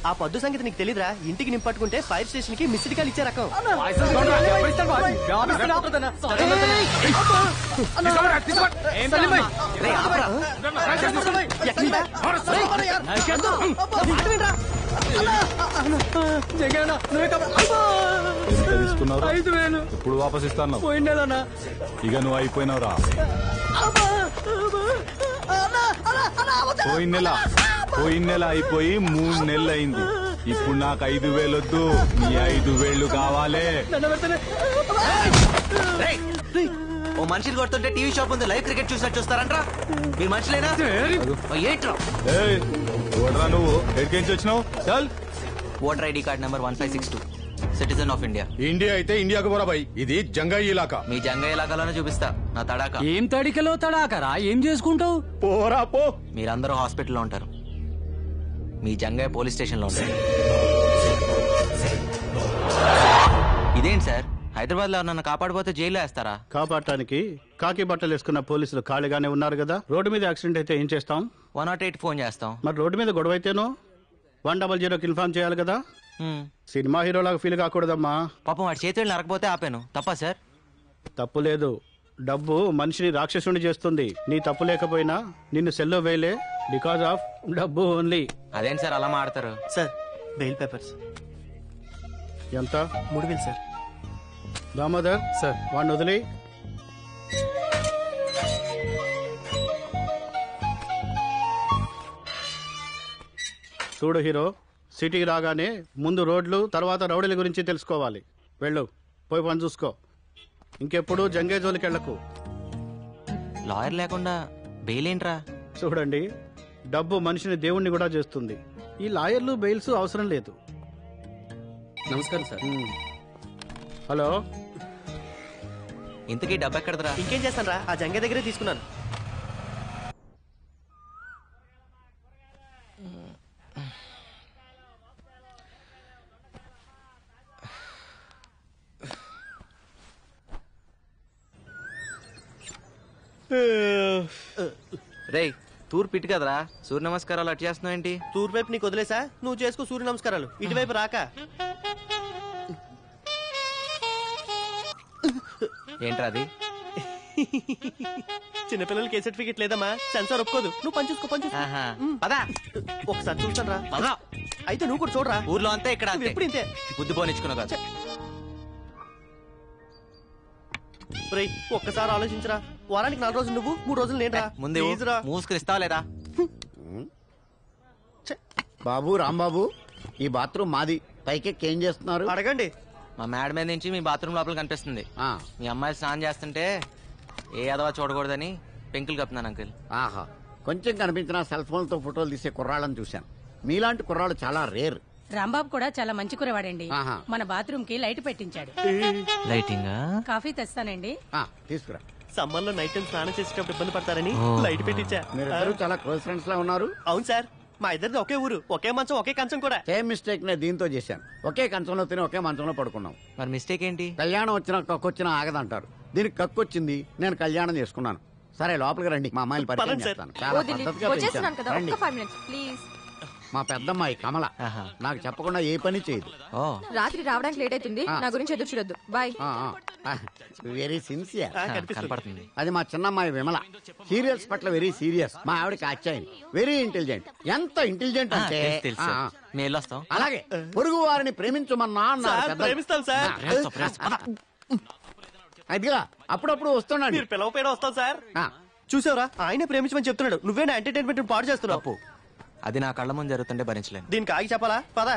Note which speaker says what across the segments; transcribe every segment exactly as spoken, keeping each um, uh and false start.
Speaker 1: ఆ పొద్దు సంగతి నీకు తెలీదురా? ఇంటికి నింపట్టుకుంటే ఫైర్ స్టేషన్ కి మిస్డ్ కాల్ ఇచ్చే రకం.
Speaker 2: ఐదు వేలు ఇప్పుడు వాపస్ ఇస్తాను. పోయిండేదన్నా. ఇక నువ్వు అయిపోయినావురా. పోయిన నెల పోయిన నెల అయిపోయి మూడు నెలలు అయింది. ఇప్పుడు నాకు ఐదు వేలు వద్దు, నీ ఐదు వేళ్లు కావాలి.
Speaker 3: ఓ మనిషిని కొడుతుంటే టీవీ షాప్ ఉంది, లైవ్ క్రికెట్ చూసినట్టు చూస్తారంట్రా. మీ మనుషులేనా? ఏంట్రా
Speaker 2: ఓడరా నువ్వు ఎక్కడికి వచ్చినావు? చల్.
Speaker 3: Voter ID card number one five six two citizen of India.
Speaker 4: India అయితే ఇండియాకు పోరా భయ్, ఇది జంగాయి ఇలాకా.
Speaker 3: మీ జంగాయి ఇలాకాలోనే చూపిస్తా నా తడాక.
Speaker 5: ఏం తడికలో తడాకరా? ఏం చేసుకుంటావు?
Speaker 4: పోరా పో.
Speaker 3: మీరందరూ హాస్పిటల్లో ఉంటారు, మీ జంగాయి పోలీస్ స్టేషన్ లో ఉంటారు. ఇదేంటి సార్, హైదరాబాద్ లో నన్ను కాపాడిపోతే జైల్లో వేస్తారా?
Speaker 6: కాపాడటానికి కాకి బట్టలు వేసుకున్న పోలీసులు ఖాళీగానే ఉన్నారు కదా. రోడ్డు మీద యాక్సిడెంట్ అయితే ఏం చేస్తాం?
Speaker 3: వన్ నాట్ ఎయిట్ ఫోన్ చేస్తాం.
Speaker 6: మరి రోడ్డు మీద గొడవ అయితేనో వన్ డబల్ జీరోకి ఇన్ఫార్మ్ చేయాలి కదా. సినిమా హీరోలాగా ఫీల్ కాకూడదమ్మా.
Speaker 3: పాపం వాడి చేతులు నరకపోతే ఆపాను, తప్పా సార్?
Speaker 6: తప్పు లేదు. డబ్బు మనిషిని రాక్షసుని చేస్తుంది. నీ తప్పు లేకపోయినా నిన్ను సెల్లో వేయలే, బికాస్ ఆఫ్ డబ్బు ఓన్లీ.
Speaker 3: అదేంటి సార్ అలా మాడతారు?
Speaker 1: సార్ బెయిల్ పేపర్స్
Speaker 6: ఎంత?
Speaker 1: మూడు వేలు సార్.
Speaker 6: దామోదర్ సార్, వాడిని వదిలి. చూడు హీరో, సిటీకి రాగానే ముందు రోడ్లు తర్వాత రౌడీల గురించి తెలుసుకోవాలి. వెళ్ళు, పోయి పని చూసుకో. ఇంకెప్పుడు జంగే జోలికి వెళ్లకు.
Speaker 3: లాయర్ లేకుండా బెయిల్ ఏంట్రా?
Speaker 6: చూడండి, డబ్బు మనిషిని దేవుణ్ణి కూడా చేస్తుంది. ఈ లాయర్లు బెయిల్స్ అవసరం లేదు.
Speaker 5: నమస్కారం సార్.
Speaker 6: హలో,
Speaker 3: ఇంతకీ డబ్బు ఎక్కడదరా?
Speaker 1: ఇంకేం చేస్తాను రా, ఆ జంగే దగ్గరే తీసుకున్నాను.
Speaker 3: రేయ్, తూర్పు ఇటు కదరా, సూర్య నమస్కారాలు అటు చేస్తున్నావు ఏంటి?
Speaker 1: తూర్పు వైపు నీకు వదిలేసా, నువ్వు చేసుకో సూర్య నమస్కారాలు. ఇటువైపు రాక.
Speaker 3: ఏంట్రా అది?
Speaker 1: చిన్నపిల్లలకి ఏ సర్టిఫికెట్ లేదమ్మా, సెన్సార్ ఒప్పుకోదు. నువ్వు పని చూసుకో, పని చూసుకో.
Speaker 3: పదా
Speaker 1: ఒకసారి చూస్తాను రా.
Speaker 3: పదా.
Speaker 1: అయితే నువ్వు కూడా చూడరా.
Speaker 3: ఊర్లో అంతే, ఇక్కడ అంతే.
Speaker 1: ఎప్పుడు ఇంతే.
Speaker 3: బుద్ధి పోనిచ్చుకున్నావు కదా.
Speaker 1: రేయ్, ఒక్కసారి ఆలోచించరా. వారానికి నాలుగు రోజులు నువ్వు, మూడు రోజులు నేను రా.
Speaker 3: ముందే మూసుకుని ఇస్తావా లేదా?
Speaker 7: బాబు రాంబాబు, ఈ బాత్రూమ్ మాది. పైకెక్కి ఏం చేస్తున్నారు?
Speaker 1: అడగండి.
Speaker 3: మా మేడ మీద నుంచి మీ బాత్రూమ్ లోపల కనిపిస్తుంది. మీ అమ్మాయి స్నానం చేస్తుంటే ఏ అదవా చూడకూడదని పెంకులు కప్పుతున్నాను అంకుల్.
Speaker 7: ఆహా, కొంచెం కనిపించిన సెల్ ఫోన్ తో ఫోటోలు తీసే కుర్రాళ్ళని చూశాను. మీలాంటి కుర్రాళ్ళు చాలా రేర్.
Speaker 8: రాంబాబు కూడా చాలా మంచి కురవాడండి. మన బాత్రూమ్ కి లైట్ పెట్టించాడు.
Speaker 3: లైటింగ్?
Speaker 8: కాఫీ తెస్తానండి.
Speaker 7: తీసుకురా.
Speaker 1: సమ్మర్ లో నైట్ టైం స్నానం చేసేటప్పుడు ఇబ్బంది పడతారని లైట్ పెట్టించా.
Speaker 7: మీరిద్దరు చాలా క్లోజ్ ఫ్రెండ్స్ లా ఉన్నారు.
Speaker 1: అవును సార్, మా ఇద్దరిది ఒకే ఊరు, ఒకే మంచం, ఒకే కంచం కూడా.
Speaker 7: సేమ్ మిస్టేక్ నే దీంతో చేశాను. ఒకే కంచంలో తిని ఒకే మంచంలో పడుకున్నాం.
Speaker 3: మరి మిస్టేక్ ఏంటి?
Speaker 7: కళ్యాణం వచ్చినా కక్కొచ్చినా ఆగదంటారు. దీనికి కక్కొచ్చింది, నేను కళ్యాణం చేసుకున్నాను. సరే లోపలికి రండి, మా అమ్మాయిని పరిచయం చేస్తాను. చాలా పద్ధతిగా పెంచాను. మా పెద్దమ్మాయి కమల. నాకు చెప్పకుండా ఏ పని చేయదు.
Speaker 9: రాత్రి రావడానికి లేట్ అవుతుంది, నా గురించి ఎదురు చూడొద్దు. బాయ్.
Speaker 7: Very sincere.
Speaker 3: కనపడుతుంది.
Speaker 7: అది మా చిన్నమ్మాయి విమల. సీరియల్స్ పట్ల వెరీ సీరియస్. మా ఆవిడకి అచ్చాయి. Very intelligent. ఎంత ఇంటెలిజెంట్ అంటే అలాగే పొరుగు వారిని ప్రేమించమన్నా అన్నారు.
Speaker 1: ప్రేమిస్తాం సార్.
Speaker 7: అదిగా అప్పుడప్పుడు వస్తున్నాడు.
Speaker 1: మీరు పిలవపోయినా వస్తాం సార్. చూసావరా, ఆయనే ప్రేమించమని చెప్తున్నాడు. నువ్వే నా ఎంటర్టైన్మెంట్ పాడు చేస్తున్నావు.
Speaker 3: అది నా కళ్ళ ముందు జరుగుతుంటే భరించలేను.
Speaker 1: దీనికి ఆగి చెప్పాలా? పదా.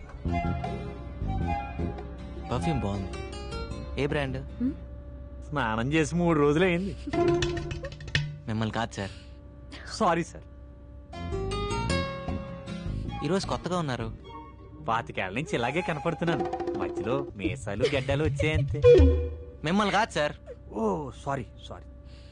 Speaker 3: పర్ఫ్యూమ్ బాగుంది. ఏ బ్రాండ్?
Speaker 5: స్నానం చేసి మూడు రోజులు అయింది.
Speaker 3: మిమ్మల్ని కాదు సార్.
Speaker 5: Sorry sir.
Speaker 3: ఈరోజు కొత్తగా ఉన్నారు.
Speaker 5: పాతికేళ్ల నుంచి ఇలాగే కనపడుతున్నాను. మధ్యలో మీసాలు గడ్డలు వచ్చాయంతే.
Speaker 3: మిమ్మల్ని కాదు సార్.
Speaker 5: ఓ సారీ సారీ.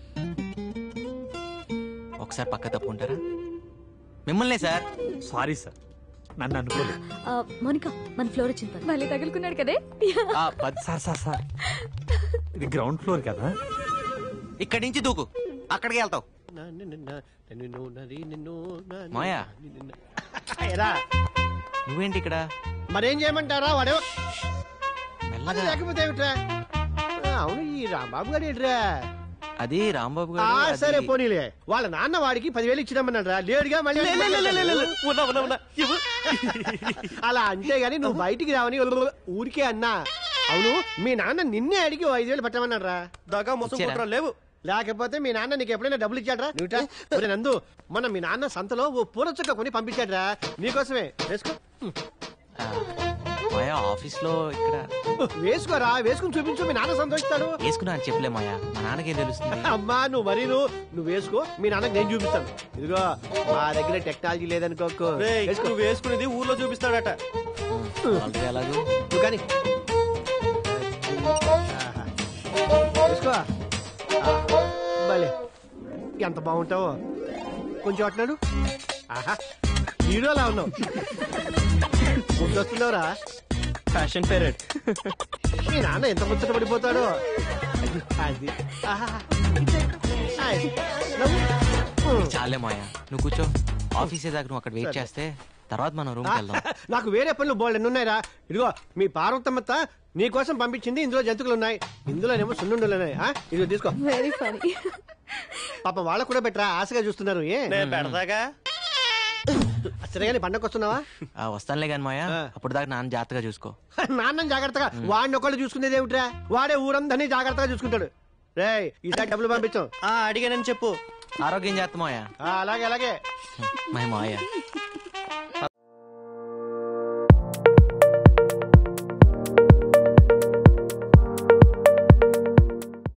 Speaker 3: ఒకసారి పక్క తప్పుంటారా? మిమ్మల్నే సార్.
Speaker 5: సారీ సార్, నన్ను అనుకోలేదు.
Speaker 9: మోనికా, మన ఫ్లోర్ వచ్చింది. మళ్ళీ తగులుకున్నాడు కదే.
Speaker 5: సార్ సార్ సార్, ఇది గ్రౌండ్ ఫ్లోర్ కదా.
Speaker 3: ఇక్కడి నుంచి దూకు, అక్కడికి వెళ్తావు.
Speaker 1: మాయా
Speaker 3: నువ్వేంటి ఇక్కడ?
Speaker 6: మరేం చేయమంటారా వాడు
Speaker 3: మెల్లగా.
Speaker 6: లేకపోతే ఏమిట్రా? ఆ, అవును ఈ రాంబాబు గారు ఏంట్రా?
Speaker 3: అది రాంబాబు
Speaker 6: ఆ,
Speaker 3: గారు.
Speaker 6: సరే
Speaker 3: అది-
Speaker 6: పోనీలే. వాళ్ళ నాన్న వాడికి పదివేలు ఇచ్చినామన్నాడు రా, లేడుగా మళ్ళీ
Speaker 1: ఉన్నా ఉన్నా ఉన్నా ఇవ్వు.
Speaker 6: అలా అంటే గాని నువ్వు బయటికి రావని ఊరికే అన్నా. అవును మీ నాన్న నిన్నే అడిగి ఓ ఐదు వేలు పట్టమన్నాడు రా.
Speaker 1: దాకా మోసం
Speaker 3: ఇచ్చారా?
Speaker 1: కుట్ర లేవు.
Speaker 6: లేకపోతే మీ నాన్న నీకు ఎప్పుడైనా డబ్బులు ఇచ్చాడ్రా? నువ్వు నందు మొన్న మీ నాన్న సంతలో ఓ పూల చుక్క కొని పంపించాడ్రా నీకోసమే. వేసుకో
Speaker 3: ఆ, మాయా ఆఫీస్ లో ఇక్కడ
Speaker 6: వేసుకోరా, వేసుకుని చూపించు, మీ నాన్న సంతోషిస్తాడు.
Speaker 3: వేసుకున్నా అని చెప్పలే మాయా, మా నాన్నకేం తెలుస్తుంది?
Speaker 6: అమ్మా నువ్వు మరీ నువ్వు నువ్వు వేసుకో, మీ నాన్నకి నేను చూపిస్తాను. ఇదిగో మా దగ్గర టెక్నాలజీ లేదనుకోకు.
Speaker 1: రేయ్,
Speaker 6: వేసుకో.
Speaker 1: నువ్వు వేసుకునేది ఊర్లో చూపిస్తాడట.
Speaker 3: ఆల్రెడీ ఎలాగో
Speaker 6: నువ్వు కానీ వేసుకో. ఆ, భలే ఎంత బాగుంటావో. కొంచెం అట్నాడు. ఆహా హీరోలా ఉన్నావు. వస్తున్నావురా.
Speaker 1: Fashion parade.
Speaker 6: మీ నాన్న ఎంత ముచ్చట పడిపోతాడో. అది ఆహా. అది. నవ్వు.
Speaker 3: చాలే మాయా, నువ్వు కూర్చో. ఆఫీస్ దాకా నువ్వు అక్కడ వెయిట్ చేస్తే తర్వాత మనం రూమ్కి వెళ్దాం.
Speaker 6: నాకు వేరే పనులు బోల్డ్ ఎన్ని ఉన్నాయిరా. ఇదిగో మీ పార్వతమ్మత్త నీ కోసం పంపించింది. ఇందులో జంతువులు ఉన్నాయి, ఇందులోనేమో సున్నుండలు ఉన్నాయి. ఆ, ఇదిగో తీసుకో.
Speaker 9: Very funny.
Speaker 6: పాప వాళ్ళకు కూడా పెట్టరా, ఆశగా చూస్తున్నారు. ఏ
Speaker 1: నేను పెడతాగా.
Speaker 6: సరేగాని పండగ వస్తున్నావా?
Speaker 3: ఆ, వస్తానులే కానీ మాయా, అప్పుడు దాకా నాన్న జాగ్రత్తగా చూసుకో.
Speaker 6: నాన్న జాగ్రత్తగా. వాడిని ఒకళ్ళు చూసుకునేది ఏమిట్రా? వాడే ఊరందరినీ జాగ్రత్తగా చూసుకుంటాడు. రేయ్ ఈసారి డబ్బులు పంపించాం.
Speaker 1: ఆ అడిగానని చెప్పు.
Speaker 3: ఆరోగ్యం జాగ్రత్త మాయా.
Speaker 6: అలాగే అలాగే.
Speaker 3: మై మాయా